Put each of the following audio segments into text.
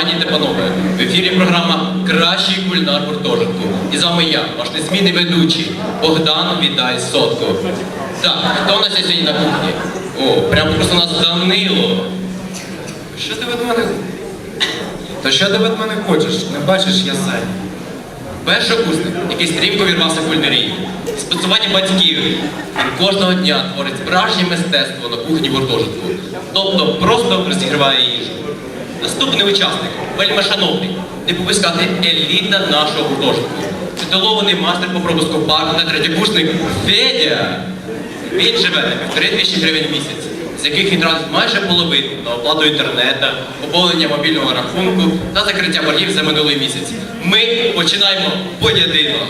Пані та панове, в ефірі програма «Кращий кулінар гуртожитку». І з вами я, ваш незмінний ведучий, Богдан Віддай Сотко. Так, хто у нас сьогодні на кухні? О, прямо просто у нас Данило. Що ти від мене? Та що ти від мене хочеш? Не бачиш, я зайнятий. Першокурсник, який стрімко вірвався в кулінарію. Спецування батьків. Він кожного дня творить справжнє мистецтво на кухні гуртожитку. Тобто просто розігріває їжу. Наступний учасник, вельми шановний, не попускати еліта нашого гуртожитку. Титулований мастер по пропуску парку та третєкурсник Федя. Він живе на 1500 гривень в місяць, з яких він тратить майже половину на оплату інтернету, поповнення мобільного рахунку та закриття боргів за минулий місяць. Ми починаємо поєдинок.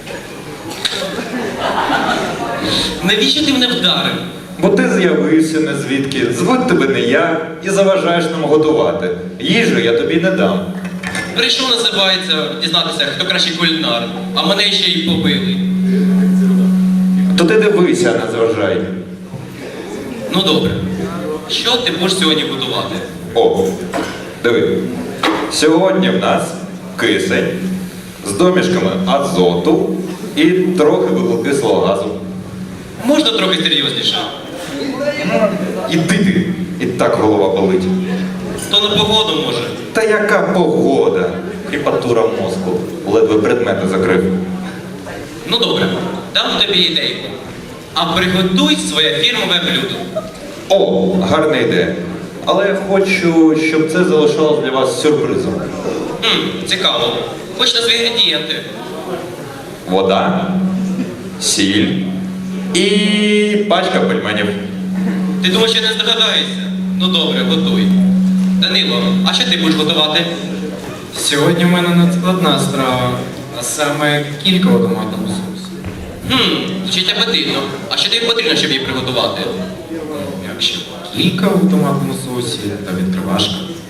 Навіщо ти мене вдарив? Бо ти з'явився не звідки, звуть тебе не я і заважаєш нам готувати. Їжу я тобі не дам. Прийшов, називається, дізнатися, хто кращий кулінар, а мене ще й побили. То ти дивися, не зважай. Ну добре. Що ти будеш сьогодні готувати? О, диви. Сьогодні в нас кисень з домішками азоту і трохи вуглекислого газу. Можна трохи серйозніше? Іди ти, і так голова болить. То на погоду може. Та яка погода? Кріпатура мозку. Ледве предмети закрив. Ну добре, дам тобі ідейку. А приготуй своє фірмове блюдо. О, гарна ідея. Але я хочу, щоб це залишалось для вас сюрпризом. Цікаво. Хоч на свої інгредієнти. Вода, сіль і пачка пельменів. Ти думаєш, я не здогадаєшся? Ну добре, готуй. Данило, а що ти будеш готувати? Сьогодні в мене надскладна страва, а саме кілька у томатному соусі. Звучить апетитно. А що тобі потрібно, щоб її приготувати? Якщо кілька у томатному соусі та відкривашка.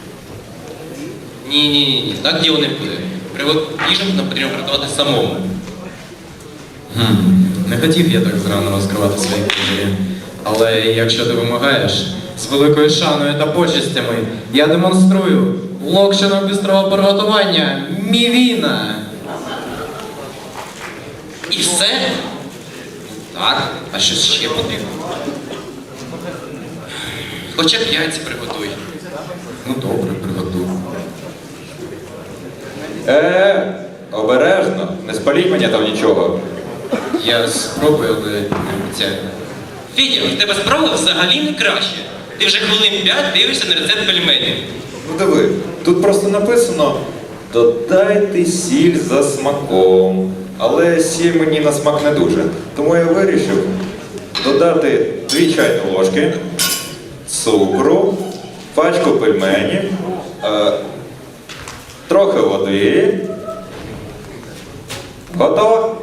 Ні, так діло не буде. Їжу нам потрібно приготувати самому. Не хотів я так зрано розкривати свої книжки. Але якщо ти вимагаєш, з великою шаною та почестями я демонструю локшину бистрого приготування Мівіна. І все? Так, а що ще потрібно? Хоча б яйця приготуй. Ну добре, приготую. Обережно, не спаліть мені там нічого. Я спробую, але не обіцяю. Федя, в тебе справа взагалі не краще. Ти вже хвилин 5 дивишся на рецепт пельменів. Ну диви, тут просто написано «Додайте сіль за смаком». Але сіль мені на смак не дуже. Тому я вирішив додати 2 чайні ложки цукру, пачку пельменів, трохи води. Готово?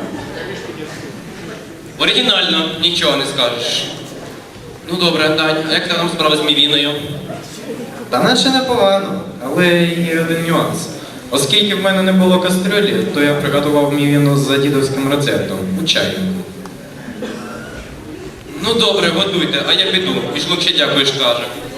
Оригінально, нічого не скажеш. Ну добре, Дань, а як там справа з Мівіною? Та наче непогано, але є один нюанс. Оскільки в мене не було кастрюлі, то я приготував мівіну за дідовським рецептом у чайнику. Ну добре, готуйте, а я піду. Пішло ще дякуєш, каже.